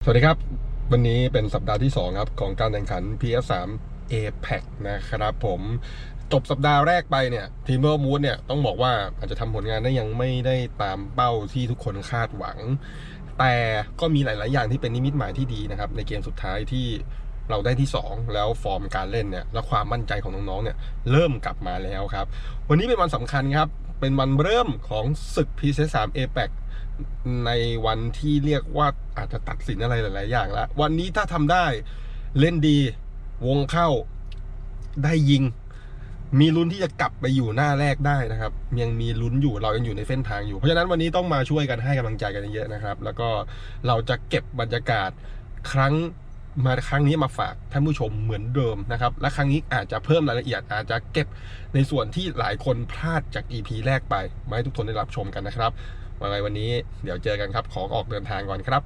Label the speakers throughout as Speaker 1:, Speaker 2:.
Speaker 1: วัสดีครับวันนี้เป็นสัปดาห์ที่2ครับของการแข่งขัน PS3 APEC นะครับผมจบสัปดาห์แรกไปเนี่ยทีมเวอร์มูดเนี่ยต้องบอกว่าอาจจะทำผลงานได้ยังไม่ได้ตามเป้าที่ทุกคนคาดหวังแต่ก็มีหลายๆอย่างที่เป็นนิมิตหมายที่ดีนะครับในเกมสุดท้ายที่เราได้ที่2แล้วฟอร์มการเล่นเนี่ยและความมั่นใจของน้องๆเนี่ยเริ่มกลับมาแล้วครับวันนี้เป็นวันสำคัญครับเป็นวันเริ่มของศึก PS3 APECในวันที่เรียกว่าอาจจะตัดสินอะไรหลายๆอย่างแล้ววันนี้ถ้าทำได้เล่นดีวงเข้าได้ยิงมีลุ้นที่จะกลับไปอยู่หน้าแรกได้นะครับยังมีลุ้นอยู่เรายังอยู่ในเส้นทางอยู่เพราะฉะนั้นวันนี้ต้องมาช่วยกันให้กำลังใจกันเยอะนะครับแล้วก็เราจะเก็บบรรยากาศครั้งนี้มาฝากท่านผู้ชมเหมือนเดิมนะครับและครั้งนี้อาจจะเพิ่มรายละเอียดอาจจะเก็บในส่วนที่หลายคนพลาดจาก EP แรกไปมาให้ทุกคนได้รับชมกันนะครับวันนี้เดี๋ยวเจอกันครับขอออกเดินทางก่อนครับ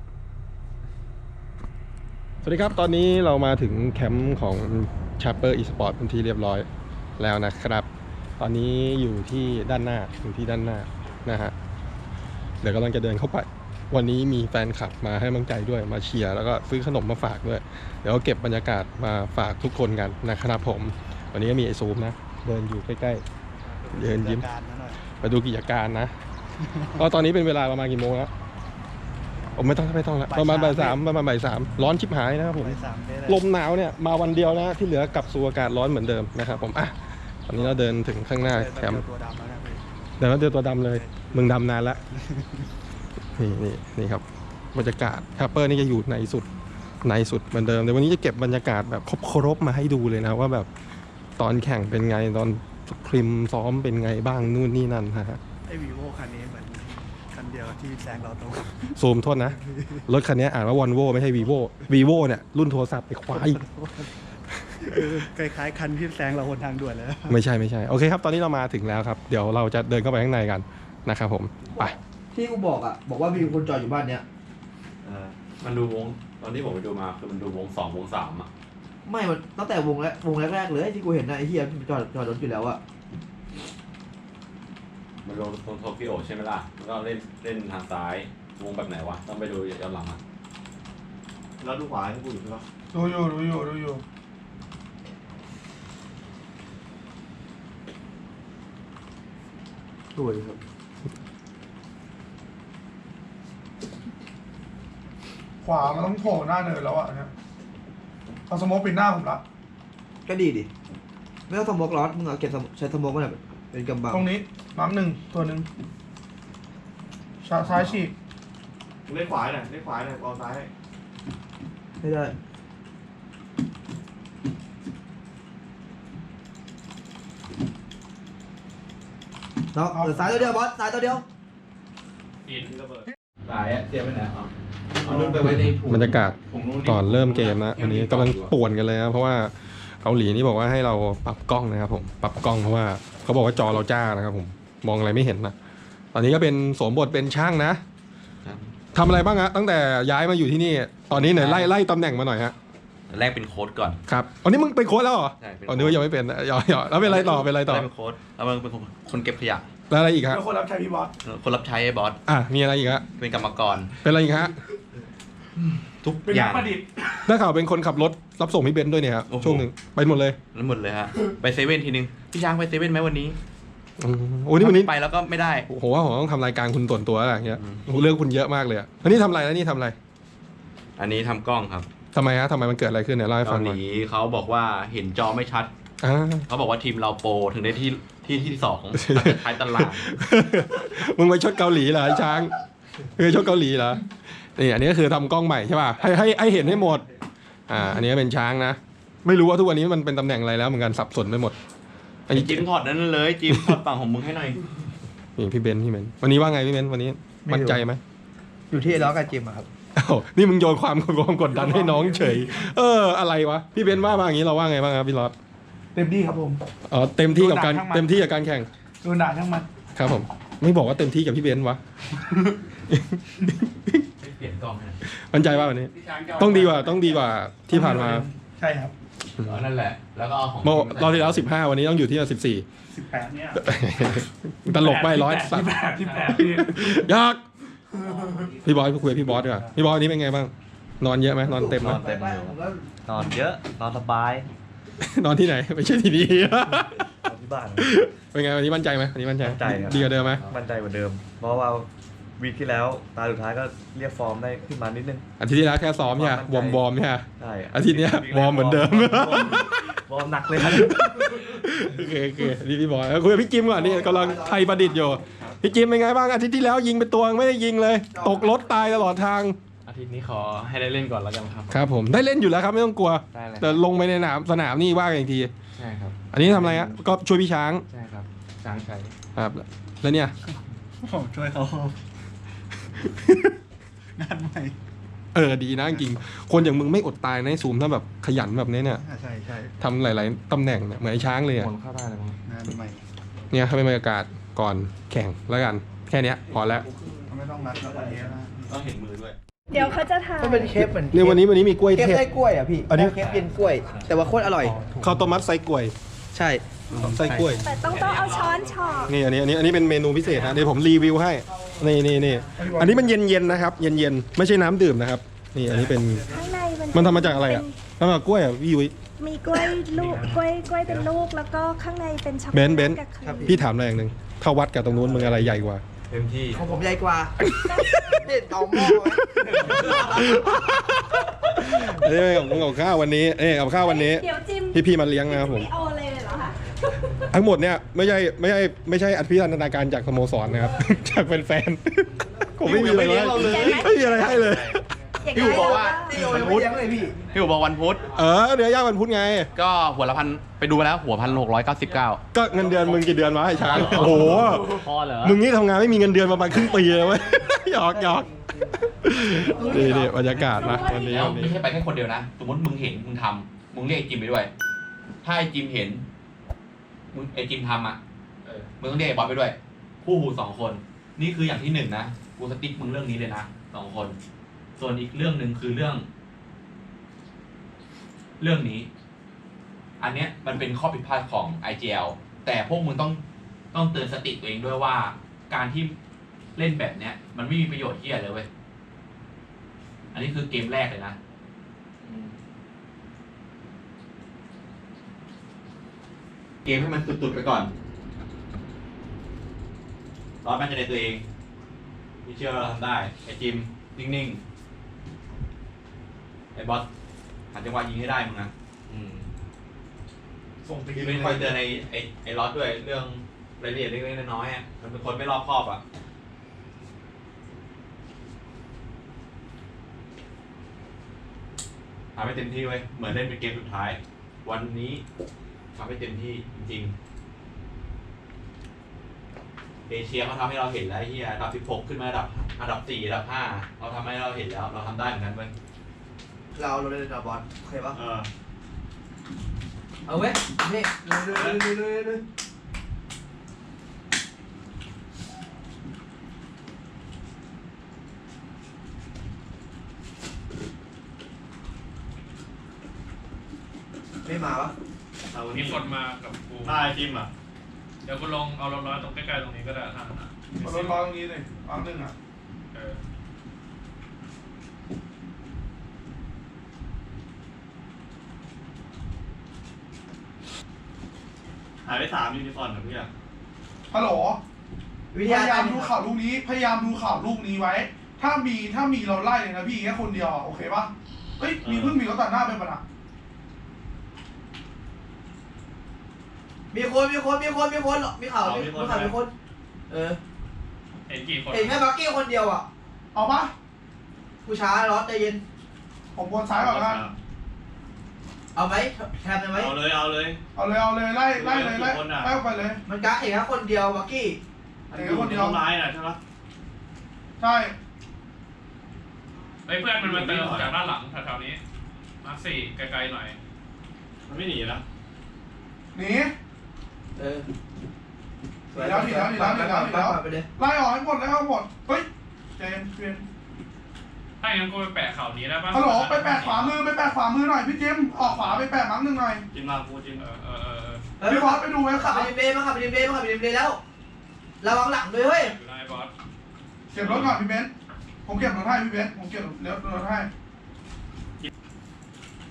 Speaker 1: สวัสดีครับตอนนี้เรามาถึงแคมป์ของ Chapper Esport เป็นที่เรียบร้อยแล้วนะครับตอนนี้อยู่ที่ด้านหน้านะฮะเดี๋ยวกำลังจะเดินเข้าไปวันนี้มีแฟนคลับมาให้กำลังใจด้วยมาเชียร์แล้วก็ซื้อขนมมาฝากด้วยเดี๋ยวเก็บบรรยากาศมาฝากทุกคนกันนะครับผมวันนี้ก็มีไอซูมนะเดินอยู่ใกล้ๆเดินยิ้มมาดูกิจการนะก็ตอนนี้เป็นเวลาประมาณกี่โมงแล้วไม่ต้องแล้วประมาณบ่ายสามร้อนชิบหายนะครับผมลมหนาวเนี่ยมาวันเดียวนะที่เหลือกลับสู่อากาศร้อนเหมือนเดิมนะครับผมอ่ะตอนนี้เราเดินถึงข้างหน้าแคมป์เดินแล้วเจอตัวดำเลยมึงดำนานละนี่ครับบรรยากาศแคปเปอร์นี่จะอยู่ในสุดเหมือนเดิมแต่วันนี้จะเก็บบรรยากาศแบบครบมาให้ดูเลยนะว่าแบบตอนแข่งเป็นไงตอนพริมซ้อมเป็นไงบ้างนู่นนี่นั่นฮะ
Speaker 2: ไอ้วีโวคันนี้เหมือนคันเดียวที่แซงเราตรง
Speaker 1: ซูมโทษนะรถคันนี้อ่านว่าวอนโวไม่ใช่วีโวเนี่ยรุ่นโทรศัพท์ไปควาย
Speaker 2: คล้ายๆคันที่แซงเราบนทางด่วนเลย
Speaker 1: ไม่ใช่โอเคครับตอนนี้เรามาถึงแล้วครับเดี๋ยวเราจะเดินเข้าไปข้างในกันนะครับผมไป
Speaker 3: ที่กูบอกว่ามีคนจอดอยู่บ้านเนี้ย
Speaker 4: มันดูวงตอนที่ผมไปดูมาคือมันดูวง2วง3อ่ะ
Speaker 3: ไม่มันตั้งแต่วงแรกเลยที่กูเห็นนะไอ้เฮียจอดรถอยู่แล้วอะ
Speaker 4: มันลงตรงโตเกียวใช่ไหมล่ะแล้วก็เล่นทางซ้ายวงแบบไหนวะต้องไปดูย้อนหลังอ่ะแล้วดูขวาให้กูอยู่ใช่ปะ
Speaker 2: ดูอยู่
Speaker 3: สวยครับ
Speaker 2: ขวามันต้องโผล่หน้าเนินแล้วอ่ะเนี่ยเอาสโมกปิดหน้าผมละ
Speaker 3: ก็ดีดิไม่ต้องสโมกร้อนมึงเอาเก็บใช้สโมกมันเป็นกำบัง
Speaker 2: ตรงนี้น้ำหนึ่งตัวหนึ่งซ้ายฉีก
Speaker 4: เล่นขวาหน่อยเอาซ้าย
Speaker 3: ไม่ได้เนาะซ้ายตัวเดียวบอสซ้ายตัวเดียว
Speaker 4: อินระเบิดซ้ายเตรียมไว้ไหนเอาลื่นไปไว้ใน
Speaker 1: บรรยากาศก่อนเริ่มเกมนะวันนี้กำลังป่วนกันเลยนะเพราะว่าเกาหลีนี่บอกว่าให้เราปรับกล้องนะครับผมปรับกล้องเพราะว่าเขาบอกว่าจอเราจ้านะครับผมมองอะไรไม่เห็นนะตอนนี้ก็เป็นสวมบทเป็นช่างนะทำอะไรบ้างฮะตั้งแต่ย้ายมาอยู่ที่นี่ตอนนี้เนี่ยไล่ตำแหน่งมาหน่อยฮะ
Speaker 4: แรกเป็นโค้ดก่อน
Speaker 1: ครับอันนี้มึงเป็นโค้ดแล้วเหรอ
Speaker 4: ใช่
Speaker 1: อ๋อนึกว่ายังไม่เป็นแล้วเป็นอะไรต่อ
Speaker 4: เป็นโค้ดแล้วมันเป็นคนเก็บขยะ
Speaker 1: แล้วอะไรอีกฮะ
Speaker 2: คนรับใช้พี่บอส
Speaker 4: คนรับใช้ไอ้บอส
Speaker 1: มีอะไรอีกฮะ
Speaker 4: เป็นกรรมกร
Speaker 1: เป็นอะไรอีกฮะ
Speaker 4: ทุกอย่าง
Speaker 2: ประดิษฐ์
Speaker 1: ได้ข่าวเป็นคนขับรถรับส่งพี่เบนซ์ด้วยเนี่ยครับช่วงหนึ่งไปหมดเลย
Speaker 4: ฮะไปเซเว่นทีนึงพี่ช้างไปเซเว่นไหมวันนี้
Speaker 1: โอ้นี่วันนี้
Speaker 4: ไปแล้วก็ไม่ได้
Speaker 1: ผมว่าผมต้องทำรายการคุณส่วนตัวอะไรอย่างเงี้ยเรื่องคุณเยอะมากเลยอันนี้ทำอะไรแล้วนี่ทำอะไร
Speaker 4: อันนี้ทำกล้องครับ
Speaker 1: ทำไมมันเกิดอะไรขึ้นเนี่ยเล่าให้ฟังหน่อย
Speaker 4: เขาบอกว่าเห็นจอไม่ชัดเขาบอกว่าทีมเราโปรถึงได้ที่2ท้ายตาราง
Speaker 1: มึงไปชดเกาหลีเหรอไอ้ช้างชดเกาหลีเหรอนี่อันนี้ก็คือทำกล้องใหม่ใช่ป่ะให้เห็นให้หมดอันนี้เป็นช้างนะไม่รู้ว่าทุกวันนี้มันเป็นตำแหน่งอะไรแล้วเหมือนกันสับสนไปหมด
Speaker 4: อันนี้จิ้มถอดนั้นเลยจิ้มถอดฝั่งของมึงให้หน่อย
Speaker 1: นี่พี่เบนวันนี้ว่าไงพี่เบนวันนี้มั่นใจไหม
Speaker 3: อยู่ที่ล้อกับจิมครับ
Speaker 1: นี่มึงโยนความกดดันให้น้องเฉยอะไรวะพี่เบนว่าอย่างนี้เราว่าไงบ้างครับพี่รอด
Speaker 2: เต็มที่ครับผม
Speaker 1: เต็มที่กับการแข่ง
Speaker 2: โดนด่าทั้งมัน
Speaker 1: ครับผมไม่บอกว่าเต็มที่กับพี่เบนวะ
Speaker 4: เปลี่ยนกล้อง
Speaker 1: มั่นใจว่าวันนี้ต้องดีกว่าที่ผ่านมา
Speaker 2: ใช่ครับ
Speaker 4: นั่นแหละแล้วก็ของ
Speaker 1: รอบที่แล้ว15วันนี้ต้องอยู่ที่
Speaker 2: 18เนี่ย
Speaker 1: ตลกไม่
Speaker 2: 18
Speaker 1: ยากพี่บอยคุยกับพี่บอสดีกว่าพี่บอสวันนี้เป็นไงบ้างนอนเยอะไหมนอนเต็มไหม
Speaker 5: นอนเต็มอยู่ นอนเยอะนอนสบาย
Speaker 1: นอนที่ไหนไม่ใช่ที่นี่
Speaker 5: นอนที่บ้าน
Speaker 1: เป็นไงวันนี้มั่นใจไหมวันนี้มั่นใจ
Speaker 5: มั่นใจครับ
Speaker 1: ดีกว่าเดิมไหม
Speaker 5: มั่นใจกว่าเดิม เพราะว่าวีคที่แล้วตาสุดท้ายก็เรียกฟอร์มได้ขึ้นมานิดนึง
Speaker 1: อาทิตย์ที่แล้วแค่ซ้อมใช่ไหมวอร์มใช่ไหม
Speaker 5: ใช่
Speaker 1: อาทิตย์เนี้ยวอร์มเหมือนเดิม
Speaker 5: วอร์มหนักเลยครับ
Speaker 1: โอเคนี่พี่บอยคุยกับพี่จิมก่อนนี่กำลังไทยประดิษฐ์อยู่พี่จิมเป็นไงบ้างอาทิตย์ที่แล้วยิงไปตัวไม่ได้ยิงเลย ตกรถตายตลอดทาง
Speaker 6: อาทิตย์นี้ขอให้ได้เล่นก่อนแล้วกันครับ
Speaker 1: ครับผมได้เล่นอยู่แล้วครับไม่ต้องกลัว
Speaker 6: ได้เลย
Speaker 1: แต่ลงไปในสนามนี่ว่ากันอีกที
Speaker 6: ใช่ครับ
Speaker 1: อันนี้ทำอะไรฮะก็ช่วยพี่ช้าง
Speaker 6: ใช่ครับช้างชัย
Speaker 1: ครับแล้วเนี่ย
Speaker 7: ผมช่วยเขางานใหม่
Speaker 1: ดีนะจริงๆคนอย่างมึงไม่อดตายในะไอ้ซูมถ้าแบบขยันแบบนี้เนี่ย
Speaker 7: ใช่ใช่
Speaker 1: ทำหลายๆตำแหน่งเนี่ยเหมือนไอ้ช้างเลย
Speaker 6: ห
Speaker 1: อะ
Speaker 6: มุนเข้าได้เลยมั้ง
Speaker 7: งานใหม่
Speaker 1: เนี่ยให้เป็นบรรยากาศก่อนแข่งแล้วกันแค่เนี้ยพอแล้ว
Speaker 7: ไม่ต้องนัดแล้ววันนี้นะ
Speaker 4: ต้องเห็นมือด้วย
Speaker 8: เดี๋ยวเขาจะถ่าย
Speaker 3: มันเป็นเคปเหมือน
Speaker 1: เนี่ยวันนี้มีกล้วย
Speaker 3: เคป
Speaker 1: เทศ
Speaker 3: ไส้กล้วยอ่ะพี่
Speaker 1: อันนี้
Speaker 3: เคปเย็นกล้วย แต่ว่าโคตรอร่อย
Speaker 1: ข้าวต้มมัดไส้กล้วย
Speaker 3: ใช่
Speaker 1: ไส้กล้วย
Speaker 8: แต่ต้องเอาช้อนฉอก
Speaker 1: นี่อันนี้เป็นเมนูพิเศษนะเดี๋ยวผมรีวิวให้นี่อันนี้มันเย็นๆนะครับเย็นๆไม่ใช่น้ำดื่มนะครับนี่อันนี้เป็น
Speaker 8: ข้างใน
Speaker 1: มันทำมาจากอะไรอ่ะทำมาจากกล้วยอ่ะพี่ยุ้ย
Speaker 8: มีกล้วยลูกกล้วยเป็นลูกแล้วก็ข้างในเป็นช็อกโก
Speaker 1: เบ
Speaker 8: แล
Speaker 1: น
Speaker 8: ต
Speaker 1: ซ์เบนซ์
Speaker 8: กับครีม
Speaker 1: พี่ถามอะไรอย่างหนึ่งถ้าวัดกับตรงนู้นมึงอะไรใหญ่กว่า
Speaker 5: เต็มที่
Speaker 3: ของผมใหญ่กว่าเด็ดเอาหม้อไว้
Speaker 1: อันนี้กับข้าววันนี้กับข้าววันนี้
Speaker 8: เดี๋ยวจิ้ม
Speaker 1: พี่มาเลี้ยงนะครับผม
Speaker 8: ไม่เอาเลยเหรอคะ
Speaker 1: ทั้งหมดเนี่ยไม่ใช่อภิรันทนาการจากสโมสรนะครับ จากแฟนๆผมไม่มีอะไรให้ไม่มีอะไรให้เลย
Speaker 8: อย่าง
Speaker 7: พี่อู๋บอกว่า
Speaker 3: ตีโอยังไม่เลี้ยงเลยพี่
Speaker 7: พี่อู๋บอกวันพุธ
Speaker 1: เดี๋ยวย่างวันพุธไง
Speaker 7: ก็หัวละพันไปดูมาแล้วหัว1,699
Speaker 1: ก็เงินเดือนมึงกี่เดือนวะไอ้ช้างโอ้โห
Speaker 6: พอเหรอ
Speaker 1: มึงนี่ทำงานไม่มีเงินเดือนประมาณครึ่งปีเลยเว้ย หยอกนี่บรรยากาศนะวันนี้
Speaker 9: แล้ว
Speaker 1: วัน
Speaker 9: ไม่
Speaker 1: นี้
Speaker 9: ใช่ไปแค่คนเดียวนะ สมมติมึงเห็นมึงทำมึงเรียกไอ้จิมไปด้วย ถ้าไอ้จิมเห็นมึงไอ้จิมทำอ่ะมึงต้องเรียกไอ้บอสไปด้วย คู่หู2 คน นี่คืออย่างที่1นะกูสติ๊กมึงเรื่องนี้เลยนะ2 คน ส่วนอีกเรื่องหนึ่งคือเรื่องนี้ อันเนี้ยมันเป็นข้อผิดพลาดของ IGL แต่พวกมึงต้องเตือนสติตัวเองด้วยว่าการที่เล่นแบบเนี้ย มันไม่มีประโยชน์ที่อะไรเลยเว้ย อันนี้คือเกมแรกเลยนะ เกมให้มันตุดๆไปก่อนรอดมั่นใจในตัวเองพี่เชื่อว่าเราทำได้ ไอ้จิม นิ่งๆ ไอ้บอสหาจังหวะยิงให้ได้มึงนะ
Speaker 7: ส่งตี
Speaker 9: พี่เป็นคอยเตือนไอ้ล็อตด้วยเรื่องรายละเอียดเล็กๆน้อยๆอ่ะมันเป็นคนไม่รอบคอบอ่ะ ทำให้เต็มที่ไว้ยเหมือนเล่นเป็นเกมสุดท้าย วันนี้ทำให้เต็มที่จริงๆ เอเชียเขาทำให้เราเห็นแล้วไอ้เฮียอันดับ16ขึ้นมาอันดับ4อันดับ5เราทำให้เราเห็นแล้วเราทำได้เหมือนกันเว้ย
Speaker 3: เราเล่นดาบอลโอเคปะ
Speaker 9: เออ
Speaker 3: เอาเว้ยนี่เลย ไม่มาวะ
Speaker 6: มีคนมากับกู
Speaker 4: ได้จิมอ่ะ
Speaker 6: เดี๋ยวกูลงเอารถร้อยตรงใกล้ๆตรงนี้ก็ได้ทางนั้น
Speaker 2: เอารถร้อยตรงนี้เลยร้อยหนึ่งอ่ะ
Speaker 6: เออ
Speaker 4: หายไป3 ยูนิคอร์นกับพี่อ่ะ
Speaker 2: ฮัลโหล
Speaker 3: วิ
Speaker 2: พ
Speaker 3: ทยาย
Speaker 2: ายา
Speaker 3: การ
Speaker 2: มดูข่าวลูกนี้ พยายามดูข่าวลูกนี้ไว้ ถ้ามีเราไล่เลยนะพี่แค่คนเดียวอะโอเคปะเฮ้ยมีเพิ่งมีรถตัดหน้าไปปะนะ
Speaker 3: มีคนมีข่าวมีคน
Speaker 6: เห็นกี่คน
Speaker 3: เห็นแค่บักกี้คนเดียวอ่ะ
Speaker 2: เอาปะ
Speaker 3: ผู้ช้าร้อนใจเย็น
Speaker 2: ผมวนซ้ายก่อนนะ
Speaker 3: เอาไหมแทนไหม
Speaker 4: เอาเลย
Speaker 2: เอาเลยไล่เลยไล่ไปเลย
Speaker 3: มันกะเห็นแค่คนเดียวบักกี้
Speaker 2: เห็นคนเดียว
Speaker 4: ร้ายน่ะใช่ไหม
Speaker 2: ใช่
Speaker 6: เฮ้ยเพื่อนมันมาเติมจากด้านหลังแถวๆนี้มาร์ค4ไกลๆหน่อย
Speaker 4: มันไม่หนีนะ
Speaker 2: หนี
Speaker 3: เออ
Speaker 2: ไปเลยไล่ออกให้หมดเฮ้ยเจน
Speaker 6: ถ้าอย่างนั้นกูไปแปะเข่านี้ได้ปะ
Speaker 2: ฮัลโหลไปแปะขวามือหน่อยพี่จิมออกขวาไปแปะมั้งหนึ่งหน่อย
Speaker 4: จิมมาพูดจิม
Speaker 2: พี่บอสไปดูไว้
Speaker 3: ขั
Speaker 2: ขา
Speaker 3: บไปดิมเบย์มาขับไปดิมเบย์แล้วระวังหลังด้วยเฮ้ย
Speaker 6: อยู่นายบอส
Speaker 2: เก็บรถก่อนพี่เบนซ์ผมเก็บรถให้พี่เบนซ์ผมเก็บรถให้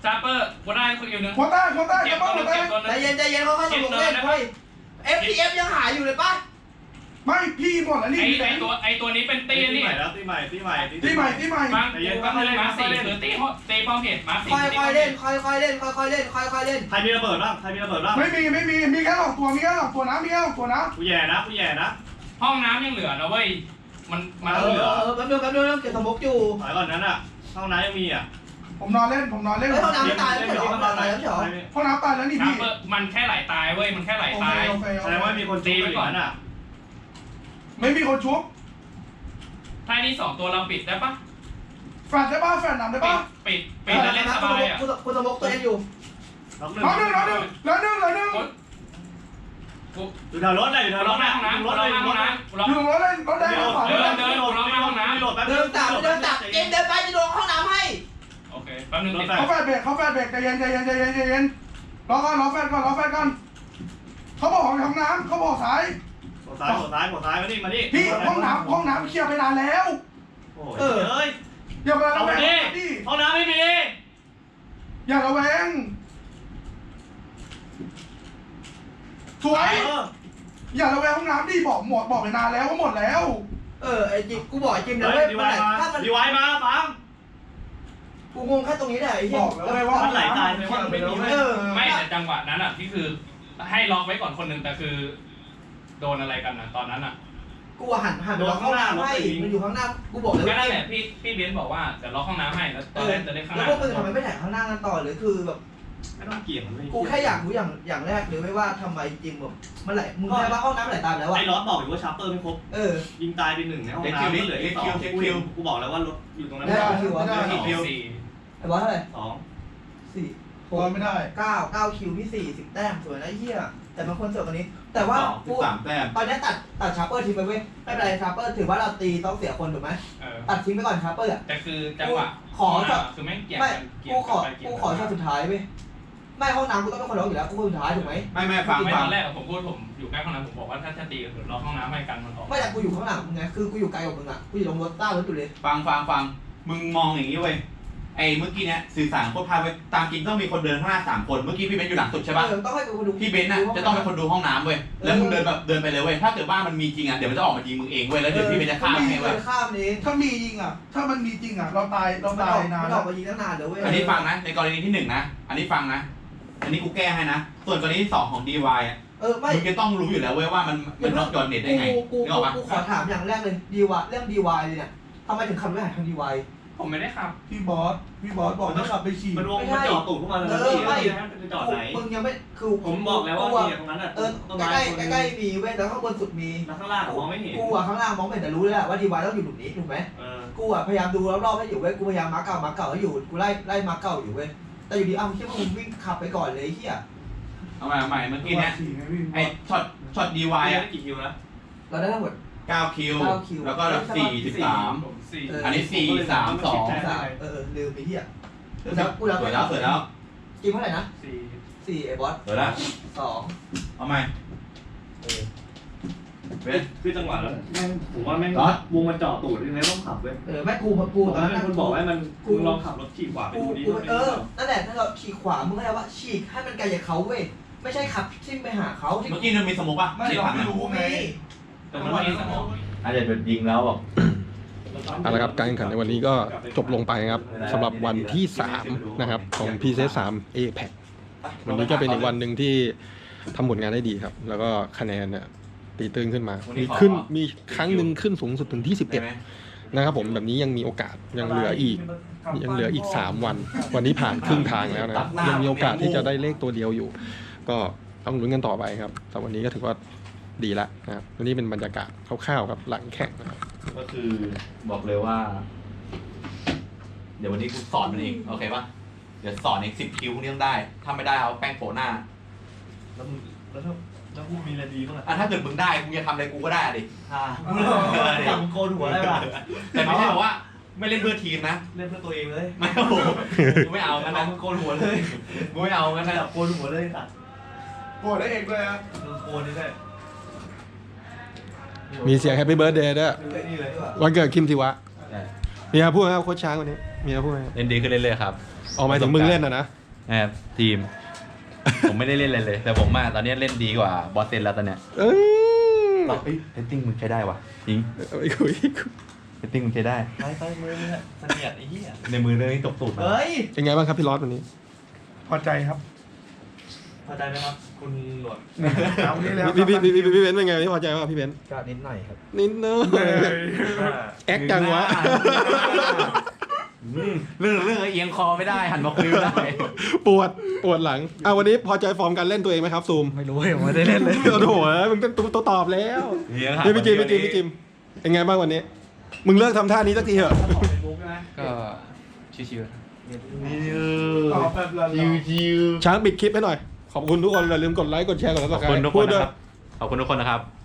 Speaker 6: ซาเปอร์กูได้คนอยู่นึง
Speaker 2: หัวใต้หัวใต้
Speaker 6: เก็
Speaker 2: ก
Speaker 6: บ
Speaker 2: ระ
Speaker 6: ตั
Speaker 2: เป๋าว หั
Speaker 6: นึ
Speaker 2: ว
Speaker 6: ง
Speaker 2: ใต้
Speaker 6: เก็บตัวนึง
Speaker 3: ใจเย็นเขาค่อยสนุกเล่นเฮ้ย FTF ยังหายอยู่เลยปะ
Speaker 2: ไม่พี่หมดแล้วนี่
Speaker 6: ไอตัวนี้เป็นตี
Speaker 4: ตี
Speaker 6: นี่
Speaker 4: ใหม่แล้วตีใหม่
Speaker 2: ที่ใหม่ที่ใหม่
Speaker 6: ฟังก็คือมาสี่คือตีป้อมเหตุมาสี่
Speaker 3: ค่อยเล่นค่อยเล่นค่อยเล่นค่อยเล่น
Speaker 4: ใครมีระเบิดบ้างใครมีระเบิดบ้าง
Speaker 2: ไม่มีแค่หลอกตัวมีแค่หลอกตัวนะมีแค่หลอกตัวนะ
Speaker 4: กูแย่นะกูแย่นะ
Speaker 6: ห้องน้ำยังเหลือนะเว้ยมัน
Speaker 3: เหลือแป๊บนึงเก็บสมกอยู่
Speaker 4: ถอยก่อนนั้นอ่ะห้องน้ำยังมีอ่ะ
Speaker 2: ผมนอนเล่น
Speaker 3: ห้องน้ำตายแล้วเหรอตายแล้วเหรอ
Speaker 2: ห้องน้ำตายแล้วนี่
Speaker 6: ซา
Speaker 2: พี่
Speaker 6: เปอร์มันแค่ไหลตายเว้ยมันแค่ไหลตาย
Speaker 4: แสดงว่ามีคนตีไปก่อนอ่ะ
Speaker 2: ไม่มีคนชุบ
Speaker 6: ถ้านี่2ตัวเราปิดได้ปะ
Speaker 2: แฟนได้ป่ะแฟนนำได้ป่ะ
Speaker 6: ปิดแล้วเล่นสบายอ่ะ
Speaker 3: คุณสมกตัวเองอยู่
Speaker 2: แล้วหนึ่ง
Speaker 4: อยู่แถวรถเลยอยู่แถวร
Speaker 6: ล็อ
Speaker 4: ถ
Speaker 6: กหน้าห้องน้ำล็อกหน้าห้องน้ำล็อก
Speaker 2: อยู่รถเล่นรถแดงขวา
Speaker 6: เดินล็อกหน้าห้องน้ำ
Speaker 4: โหลดแป๊บ
Speaker 3: เดินตับเกมเดินไปจะโดนห้องน้ำให้
Speaker 6: โอเคแป๊บนึงติด
Speaker 2: เขาแฟนเบรกใจเย็นรอแฟนก่อนเขาบอกห้องน้ำเขาบอกสาย
Speaker 4: หัวซ้ายมานี่
Speaker 2: พี่ห้องน้ำเคลียร์ไปนานแล้ว
Speaker 4: โอ้ยเอ้ย
Speaker 2: อย่ามา
Speaker 4: เอา
Speaker 2: ระแว
Speaker 4: ไป
Speaker 2: ง
Speaker 4: ดิ
Speaker 2: พี่
Speaker 4: ห้องน้ำไม่มี
Speaker 2: อย่าระแวงสวยอย่าระแวงห้องน้ำดิบอกไปนานแล้วว่าหมดแล้ว
Speaker 3: ไอ้จิกูบอกไอ้จิม
Speaker 4: เฮ้
Speaker 3: เลย ย
Speaker 4: ดีไวมาดีไวมาฟัง
Speaker 3: กูงงแค่ตรงนี้แหละไอ้เหี้
Speaker 2: บอกแล้วไงว่า
Speaker 4: มันไหลตายไปว่าไม่มี
Speaker 6: ไม่แต่จังหวะนั้นอ่ะที่คือให้ล็อกไว้ก่อนคนหนึ่งแต่คือโดนอะไรกันนะตอนนั้นอ่ะ
Speaker 3: กูหันไปล็อกห้องน้ำให้มันอยู่ข้างหน้ากูบอกเลย
Speaker 6: ก็
Speaker 3: ว่า
Speaker 6: นั่นแหละพี่เบนบอกว่าเดี๋ยวล็อกห้องน้ำให้แล้วตอนแรกจะได้ข้างห
Speaker 3: แล้ว
Speaker 6: น้า
Speaker 3: พวกมึงทำไมไม่แถข้างหน้ากันต่อหรือคือแบบ
Speaker 4: ไม่ต้องเกี่ยงมัน
Speaker 3: กูแค่อยากรู้อย่างแรกเลยไม่ว่าทำไมจิมแบบมันไหลมึงแค่ว่าห้องน้ำไหลตามแล้วอะ
Speaker 4: ไอ้ล็อตบอกอยู่ว่าชาร์เปอร์ไม่ครบ ยิงตายไป1ในห้องน้ำเหลืออีก2กูบอกแล้วว่ารถอยู่ตรงนั้น
Speaker 3: ได้คิว
Speaker 2: ไม่ได้
Speaker 6: กี่สี่
Speaker 3: ไอ้บอสเท่าไหร่
Speaker 4: 2
Speaker 3: สี่
Speaker 2: รอไม่ได้
Speaker 3: 9คิวพี่40 แต้มสวยนะเหี้ยแต่บางคนเสิร์ฟกันนี้ แต่ว่ากู
Speaker 9: 3 แต้ม
Speaker 3: ตอนนี้ตัดชาร์เปอร์ทิ้งไปเว้ยไม่เป็นไรชาร์เปอร์ถือว่าเราตีต้องเสียคนถูกไหม ตัดทิ้งไปก่อนชาร์เปอร์
Speaker 6: แต่คือจังหวะคือแม่งเกี่ยง
Speaker 3: ไม่
Speaker 6: กันเกี่ย
Speaker 3: กู
Speaker 6: ง
Speaker 3: ขอ
Speaker 6: ไปเกี่ย
Speaker 3: กู
Speaker 6: ง
Speaker 3: ขอช็อตสุดท้ายเว้ยไม่ห้องน้ำกูต้องเป็นคนร้องอยู่แล้วกูคนสุดท้ายถูกไหม
Speaker 9: ไม่ฟัง
Speaker 6: ไม่
Speaker 9: ฟั
Speaker 6: ต
Speaker 9: ง
Speaker 6: อนแรกผมอยู่ใกล้ห้องน้ำผมบอกว่าถ้าตีกันล็อกห้องน้ำให้กันมันออก
Speaker 3: ไม่แต่กูอยู่ข้างหลังมึงไงคือกูอยู่ไกลกว่ามึงอ่ะกูอยู่ตรงรถต้ารถอยู่เลย
Speaker 9: ฟังมึงมองอย่างนี้เว้ยไอ้เมื่อกี้เนี้ยสื่อสารโคตรพลาดเว้ยตามจริงต้องมีคนเดินข้างหน้า3 คนเมื่อกี้พี่เบนอยู่หลังสุดใช่ป่ะ
Speaker 3: ต้องให้กูดู
Speaker 9: พี่เบนน่ะจะต้องเป็นคนดูห้องน้ำเว้ยแล้วมึงเดินไปเลยเว้ยถ้าเกิดบ้านมันมีจริงอ่ะเดี๋ยวมันจะออกมายิงมึงเองเว้ยแล้วเดี๋ยวพี่เบนจะฆ่ามึงเองเว้ย
Speaker 3: ข้ามนี้
Speaker 2: ถ้ามีจริงอ่ะถ้ามันมีจริงอ่ะเราตายนาน
Speaker 3: มันอ
Speaker 2: แล้
Speaker 3: อ
Speaker 2: ว
Speaker 3: กมายิงตั้งนานเดี๋ยวเว้ย
Speaker 9: อันนี้ฟังนะในกรณีที่1นะอันนี้ฟังนะอันนี้กูแก้ให้นะส่วนกรณีที่2ของ DY อ่ะ
Speaker 3: ไม่
Speaker 9: มึงจะต้องรู้อยู่แล้วเว้ยว่ามันน็อกยอนเน็ตได้ไง
Speaker 3: กู
Speaker 9: นึกออกปะ
Speaker 3: ขอถามอย่างแรกเลยDY เรื่อง DY เลยเนี่ยทำไมถึงขับรถหาทาง DY
Speaker 6: ผมไม่ได้ขับ
Speaker 2: พี่บอสบอกให้ขับไปฉี่
Speaker 4: มันวงมันจอดตูดพวกมันเลยจะจอดไหน
Speaker 3: มึงยังไม่คือ
Speaker 4: ผมบอกแล้วว่าเนี่ยตรงนั้นอ่ะต้นไม้
Speaker 3: ใกล้มีเว้ยแต่ข้างบนสุดมี
Speaker 4: แล้วข้างล่างมองไม่เห็น
Speaker 3: กูอะข้างล่างมองไม่เห็นแต่รู้เลยแหละว่า DY ต้องอยู่หลุมนี้ถูกไหมกูอะพยายามดูรอบๆให้อยู่เว้ยกูพยายามมาร์คเก่าให้อยู่กูไล่มาร์คเก่าอยู่เว้ยแต่อยู่ดีคิดว่ามึงวิ่งขับไปก่อนเลยเฮีย
Speaker 9: เอาใหม่เมื่อกี้เนี้ยไอ้ช็อต DY อ่ะ
Speaker 4: กี่คิวนะ
Speaker 3: เราได้ทั้งหมด
Speaker 9: 9 คิวแล้วก็แบบ4
Speaker 6: ผมสี่
Speaker 9: 13อันนี้4 3 2
Speaker 3: ลืมไปเฮีย
Speaker 9: สวยแล้ว
Speaker 3: กินเท่าไหร่นะ
Speaker 6: สี่
Speaker 3: 4ไอ้บอส
Speaker 9: สวยแล้ว
Speaker 3: 2
Speaker 9: เอาใหม่เว้ย
Speaker 4: คือจังหวะแล้วแม่งผมว่าแม่งวงมันจอดตูดยังไงต้องขับเว้ย
Speaker 3: แม่กู
Speaker 4: ตอนนั้นคนบอกว่ามันกูลองขับรถขี่ขวาไปดูดิ
Speaker 3: นั่นแหละถ้าเราฉีกขวามึงก็ได้ว่าฉีกให้มันไกลจากเขาเว้ยไม่ใช่ขับทิ่มไปหาเขาที่
Speaker 9: เมื่อกี้มันมีสโมกป่ะ
Speaker 2: ไม่เราไม่รู้ไง
Speaker 6: แต่มันไม่ได้สมอง
Speaker 9: อาจจะเป็นยิงแล้วแบบ
Speaker 1: เอาละครับการแข่งขันในวันนี้ก็จบลงไปครับสำหรับวันที่3นะครับของ PCS 3 APEC วันนี้ก็เป็นอีกวันหนึ่งที่ทำผลงานได้ดีครับ แล้วก็คะแนนเนี่ยตีตื้นขึ้นมามีครั้งหนึ่งขึ้นสูงสุดถึงที่
Speaker 9: ได้ไหม
Speaker 1: 11นะครับผมแบบนี้ยังมีโอกาสยังเหลืออีก3 วันวันนี้ผ่านครึ่งทางแล้วนะครับยังมีโอกาสที่จะได้เลขตัวเดียวอยู่ ก็ต้องลุ้นกันต่อไปครับแต่วันนี้ก็ถือว่าดีละนะครับวันนี้เป็นบรรยากาศคร่าวๆครับหลังแข่งนะครับ
Speaker 9: ก็คือบอกเลยว่า เดี๋ยววันนี้กูสอนมันเองโอเคป่ะเดี๋ยวสอนเอง10 คิวพวกนี้ต้องได้ถ้าไม่ได้เอาแป้งโปะหน้า
Speaker 4: แล้วกูมีอะไรดีบ้าง
Speaker 9: ถ้าเกิดมึงได้มึงจะทำอะไรกูก็ได้ดิ
Speaker 4: จับโกนหัวได้ป่ะ
Speaker 9: แต่ไม่ใช่บอกว่าไม่เล่นเพื่อทีมนะ
Speaker 4: เล่นเพื่อตัวเองเลย
Speaker 9: ไม่โอ้โหกูไม่เอางั้นนะ
Speaker 4: มึงโกนหัวเลย
Speaker 9: กูไม่เอางั้นนะ
Speaker 4: จับโกนหัวเลยตัด
Speaker 2: โกรธได้เองเลยอ่ะ
Speaker 4: มึงโกนนี่ได้
Speaker 1: มีเสียง Happy Birthday ด้วย
Speaker 4: นี่เลย
Speaker 1: วันเกิดคิมทิวะมีอะไรพูดไหมครับโค้ชช้างวันนี้มีอะไรพูดไหม
Speaker 4: เล่นดีขึ้นเรื่อยๆครับ
Speaker 1: ออกมาถึงมึงเล่นนะ
Speaker 4: ทีม ผมไม่ได้เล่นอะไรเลย แต่ผมตอนนี้เล่นดีกว่าบอสเซนแล้วตอนเนี้ย
Speaker 1: เอ้ย
Speaker 4: เรตติ้งมึงใช้ได้วะจริง
Speaker 1: ไม่คุย
Speaker 4: เรตติ้งมึงใช้ได้
Speaker 5: ไปมือเสนียดไอ้เหี้ย
Speaker 4: ในมือเรื่องนี้ตบตูดมา
Speaker 3: เฮ้ย
Speaker 1: เป็นไงบ้างครับพี่ลอสวันนี้
Speaker 2: พอใจครับ
Speaker 5: พอใจไหมครับ คุณหลวด
Speaker 2: เอานี้แล้ว
Speaker 1: พี่เบนซ์เป็นไงพี่พอใจป่ะพี่เบนซ์
Speaker 3: ก็นิดหน่อยครับ
Speaker 1: นิดนึงแอคจังวะ
Speaker 7: เรื่องเอียงคอไม่ได้หันมาคุยไม่ได้
Speaker 1: ปวดหลังวันนี้พอใจฟอร์มการเล่นตัวเองไหมครับซูม
Speaker 5: ไม่รู้ยังไม่ได้เล่นเลย
Speaker 1: โอ้โหมึงเป็นตัวตอบแล้วพี่จิมเป็นไงบ้างวันนี้ มึงเลิกทำท่านี้สักทีเถอะ
Speaker 7: ก็ชิว
Speaker 2: ตอบแบบละลาย
Speaker 1: ช้างปิดคลิปให้หน่อย ขอบคุณทุกคนอย่าลืมกดไลค์กดแชร์กดซับส
Speaker 4: ขอบ
Speaker 1: ไคร
Speaker 4: คุณ
Speaker 1: ต์
Speaker 4: ทุกค
Speaker 1: พู
Speaker 4: น
Speaker 1: ดด้
Speaker 4: นะ
Speaker 1: วย
Speaker 4: ครับ ขอบคุณทุกคนนะครับ